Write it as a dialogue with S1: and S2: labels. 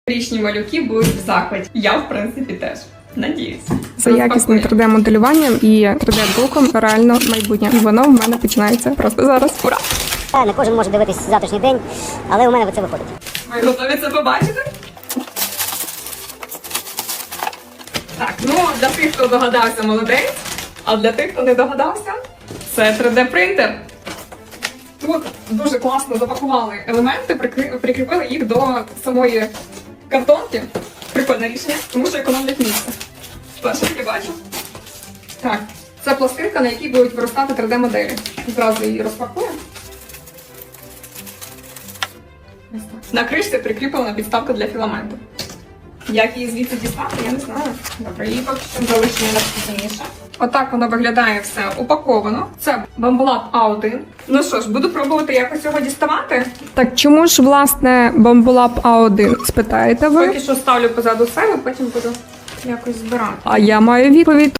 S1: Річні малюки будуть в захваті. Я, в принципі, теж. Надіюсь.
S2: За якісним 3D-моделюванням і 3D-друком реально майбутнє. І воно в мене починається просто зараз. Ура!
S3: Не кожен може дивитись завтрашній день, але у мене це виходить.
S1: Ви готові це побачити? Так, ну, для тих, хто догадався, молодець. А для тих, хто не догадався, це 3D-принтер. Тут дуже класно запакували елементи, прикріпили їх до самої картонки. Прикольне рішення, тому що економлять місце. Перше, я бачу. Так, це пластинка, на якій будуть виростати 3D-моделі. Зразу її розпакуємо. Ось так. На кришці прикріплена підставка для філаменту. Як її звідси дістати, я не знаю. Добре, її поки що залишимо на пізніше. Отак воно виглядає все упаковано. Це Bambolab A1. Ну що ж, буду пробувати якось його діставати.
S2: Так чому ж, власне, Bambolab A1, спитаєте ви?
S1: Поки що ставлю позаду себе, потім буду якось збирати.
S2: А я маю відповідь.